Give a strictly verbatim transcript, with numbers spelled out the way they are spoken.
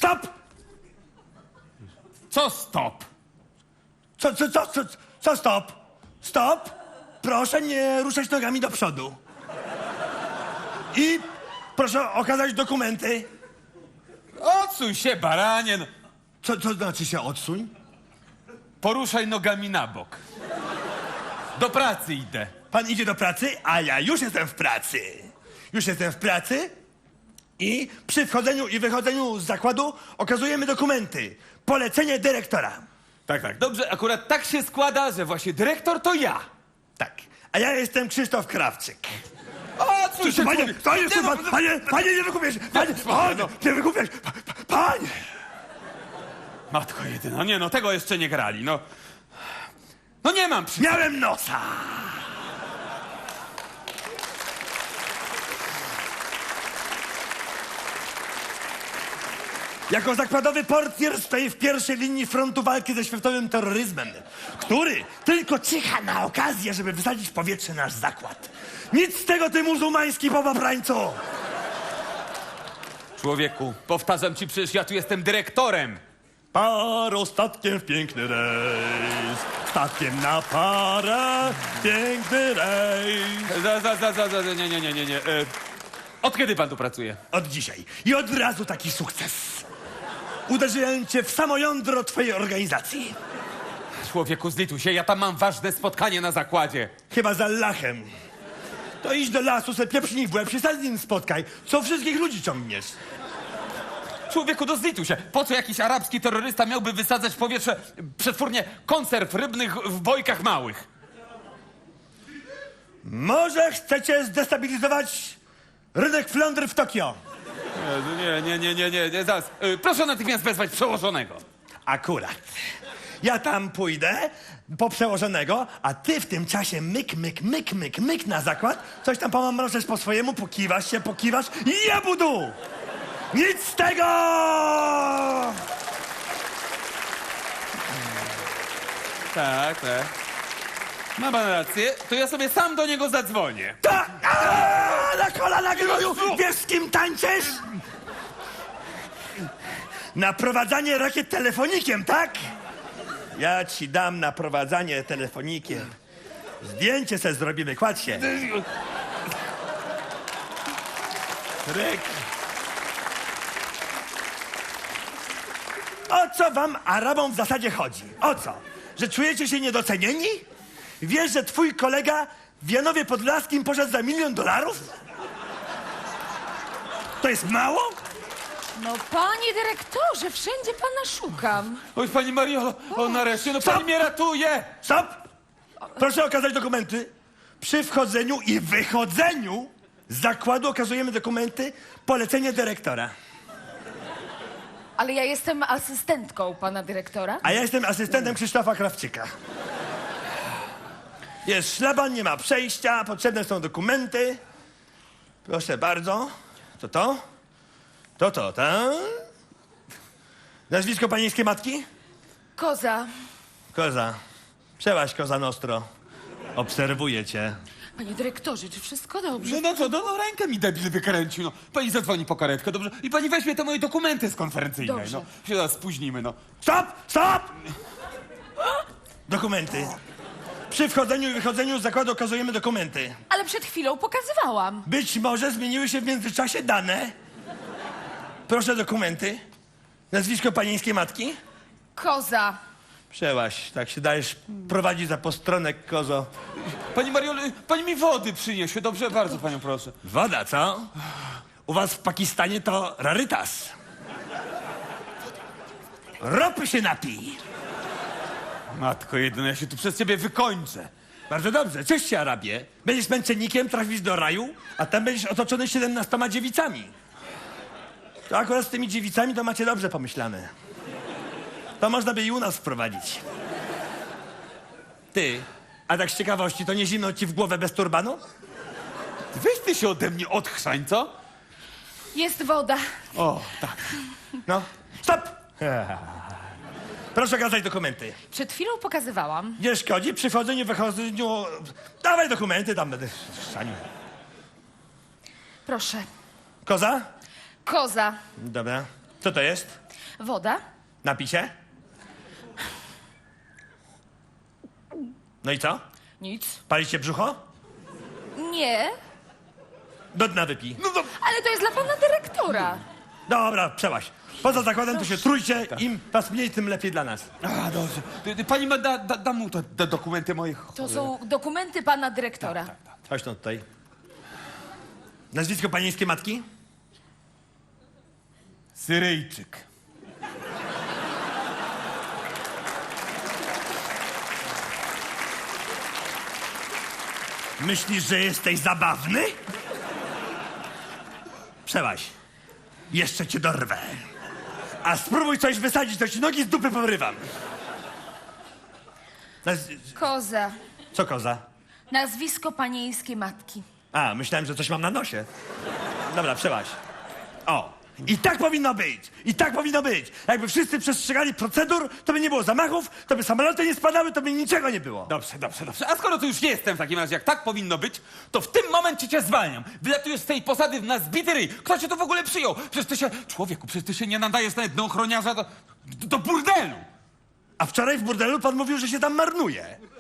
Stop! Co stop? Co, co, co, co, co stop? Stop! Proszę nie ruszać nogami do przodu. I proszę okazać dokumenty. Odsuń się, baranie. No. Co, co znaczy się odsuń? Poruszaj nogami na bok. Do pracy idę. Pan idzie do pracy, a ja już jestem w pracy. Już jestem w pracy i przy wchodzeniu i wychodzeniu z zakładu okazujemy dokumenty. Polecenie dyrektora. Tak, tak. Dobrze, akurat tak się składa, że właśnie dyrektor to ja. Tak. A ja jestem Krzysztof Krawczyk. Odsuń się, Panie, człowiek. panie, Nie, nie, no, pan, panie, panie, nie wykupiesz! Panie, spokojnie, panie, no. nie wykupiesz! Pa- pa- Panie! Matko jedyna, nie no, tego jeszcze nie grali, no. No nie mam przy... Miałem nosa! Jako zakładowy portier stoi w pierwszej linii frontu walki ze światowym terroryzmem, który tylko czyha na okazję, żeby wysadzić w powietrze nasz zakład. Nic z tego, ty muzułmański popaprańcu! Człowieku, powtarzam ci, przecież ja tu jestem dyrektorem. Paro statkiem w piękny rejs, statkiem na parę, piękny rejs. Za, za, za, za, za, nie, nie, nie, nie, nie. E, od kiedy pan tu pracuje? Od dzisiaj. I od razu taki sukces. Uderzyłem cię w samo jądro twojej organizacji. Człowieku, zlituj się, ja tam mam ważne spotkanie na zakładzie. Chyba za lachem. To idź do lasu, se pieprznij w łeb, się z nim spotkaj. Co wszystkich ludzi ciągniesz? Człowieku, no zlituj się. Po co jakiś arabski terrorysta miałby wysadzać w powietrze przetwórnię konserw rybnych w bojkach małych? Może chcecie zdestabilizować rynek flądry w Tokio? Nie, nie, nie, nie, nie, nie, zaraz. E, proszę natychmiast wezwać przełożonego. Akurat. Ja tam pójdę po przełożonego, a ty w tym czasie myk, myk, myk, myk, myk na zakład, coś tam pomamroczesz po swojemu, pokiwasz się, pokiwasz i ja budu! Nic z tego! Tak, tak. Ma pan rację, to ja sobie sam do niego zadzwonię. Tak! Aaa, na kolana gnoju! Wiesz, z kim tańczysz? Naprowadzanie rakiet telefonikiem, tak? Ja ci dam naprowadzanie telefonikiem. Zdjęcie se zrobimy, kładź się. Ryk. O co wam, Arabom, w zasadzie chodzi? O co? Że czujecie się niedocenieni? Wiesz, że twój kolega w Janowie Podlaskim poszedł za milion dolarów? To jest mało? No, panie dyrektorze, wszędzie pana szukam. Oj, pani Mariolo, o nareszcie, no pani Stop! mnie ratuje! Stop! Proszę okazać dokumenty. Przy wchodzeniu i wychodzeniu z zakładu okazujemy dokumenty, polecenie dyrektora. Ale ja jestem asystentką pana dyrektora. A ja jestem asystentem Krzysztofa Krawczyka. Jest szlaban, nie ma przejścia, potrzebne są dokumenty. Proszę bardzo. To to? To to, tak? Nazwisko panieńskiej matki? Koza. Koza. Przełaź, Koza Nostro. Obserwuję cię. Panie dyrektorze, czy wszystko dobrze? No, no co, no, no rękę mi debil wykręcił, no. Pani zadzwoni po karetkę, dobrze? I pani weźmie te moje dokumenty z konferencyjnej, Dobrze. no. Się zaraz spóźnimy, no. Stop! Stop! Dokumenty. Przy wchodzeniu i wychodzeniu z zakładu okazujemy dokumenty. Ale przed chwilą pokazywałam. Być może zmieniły się w międzyczasie dane. Proszę dokumenty. Nazwisko panieńskiej matki? Koza. Przełaź, tak się dajesz prowadzić za postronek, kozo. Pani Mariolo, pani mi wody przyniesie, dobrze? Bardzo panią proszę. Woda, co? U was w Pakistanie to rarytas. Ropy się napij. Matko jedyna, ja się tu przez ciebie wykończę. Bardzo dobrze, cześć się, Arabie. Będziesz męczennikiem, trafisz do raju, a tam będziesz otoczony siedemnastoma dziewicami. To akurat z tymi dziewicami to macie dobrze pomyślane. To można by i u nas wprowadzić. Ty, a tak z ciekawości, to nie zimno ci w głowę bez turbanu? Weź ty się ode mnie odchrzań, co? Jest woda. O, tak. No, stop! Proszę okazać dokumenty. Przed chwilą pokazywałam. Nie szkodzi, przy wchodzeniu, wychodzeniu... Dawaj dokumenty, tam będę szanił. Proszę. Koza? Koza. Dobra. Co to jest? Woda? Napisie? No i co? Nic. Pali się brzucho? Nie, Do dna wypij. No to... ale to jest dla pana dyrektora. Dobra, przełaź. Poza zakładem to się trójcie, im was mniej, tym lepiej dla nas. A, dobrze. Ty- ty- Pani ma, da, da, da mu te, te dokumenty moich... To są dokumenty pana dyrektora. Chodź no tutaj. Nazwisko panieńskiej matki? Syryjczyk. Myślisz, że jesteś zabawny? Przełaź. Jeszcze cię dorwę. A spróbuj coś wysadzić, to ci nogi z dupy porywam. Naz... Koza. Co koza? Nazwisko panieńskiej matki. A, myślałem, że coś mam na nosie. Dobra, przełaź. O. I tak powinno być! I tak powinno być! Jakby wszyscy przestrzegali procedur, to by nie było zamachów, to by samoloty nie spadały, to by niczego nie było. Dobrze, dobrze, dobrze. A skoro tu już jestem w takim razie, jak tak powinno być, to w tym momencie cię zwalniam. Wylatujesz z tej posady na zbity ryj. Kto cię tu w ogóle przyjął? Przecież ty się... Człowieku, przecież ty się nie nadajesz nawet do ochroniarza do, do burdelu. A wczoraj w burdelu pan mówił, że się tam marnuje.